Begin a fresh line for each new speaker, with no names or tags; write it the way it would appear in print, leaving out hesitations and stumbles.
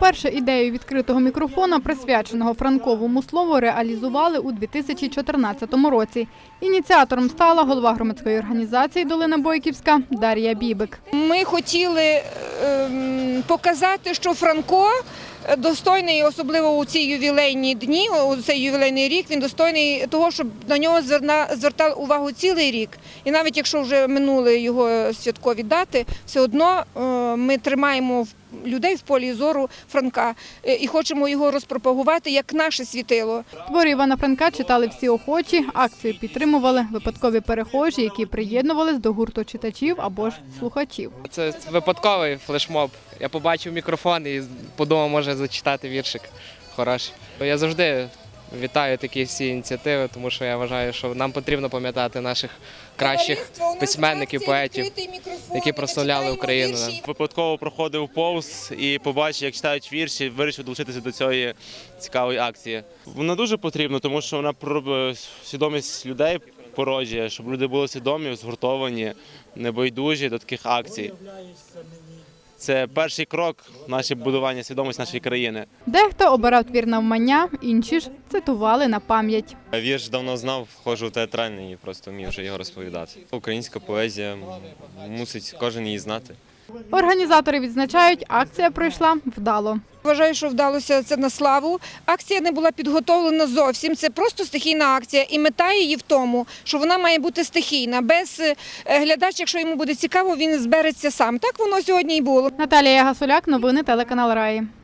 Вперше ідею відкритого мікрофона, присвяченого Франковому слову, реалізували у 2014 році. Ініціатором стала голова громадської організації «Долина Бойківська» Дар'я Бібик.
Ми хотіли показати, що Франко достойний, особливо у ці ювілейні дні, у цей ювілейний рік, він достойний того, щоб на нього звертав увагу цілий рік. І навіть якщо вже минули його святкові дати, все одно ми тримаємо людей в полі зору Франка і хочемо його розпропагувати як наше світило.
Твори Івана Франка читали всі охочі, акцію підтримували випадкові перехожі, які приєднувались до гурту читачів або ж слухачів.
Це випадковий флешмоб. Я побачив мікрофон і подумав, може зачитати віршик хороший. Я завжди вітаю такі всі ініціативи, тому що я вважаю, що нам потрібно пам'ятати наших кращих письменників, поетів, які прославляли Україну.
Випадково проходив повз і побачив, як читають вірші, вирішив долучитися до цієї цікавої акції. Вона дуже потрібна, тому що вона свідомість людей породжує, щоб люди були свідомі, згуртовані, небайдужі до таких акцій. Це перший крок в наше будування свідомості нашої країни.
Дехто обирав твір навмання, інші ж цитували на пам'ять.
Вірш давно знав, входжу в театральний і просто вмів вже його розповідати. Українська поезія, мусить кожен її знати.
Організатори відзначають, акція пройшла вдало.
Вважаю, що вдалося це на славу. Акція не була підготовлена зовсім, це просто стихійна акція. І мета її в тому, що вона має бути стихійна. Без глядача, якщо йому буде цікаво, він збереться сам. Так воно сьогодні і було.
Наталія Гасуляк, новини телеканал Раї.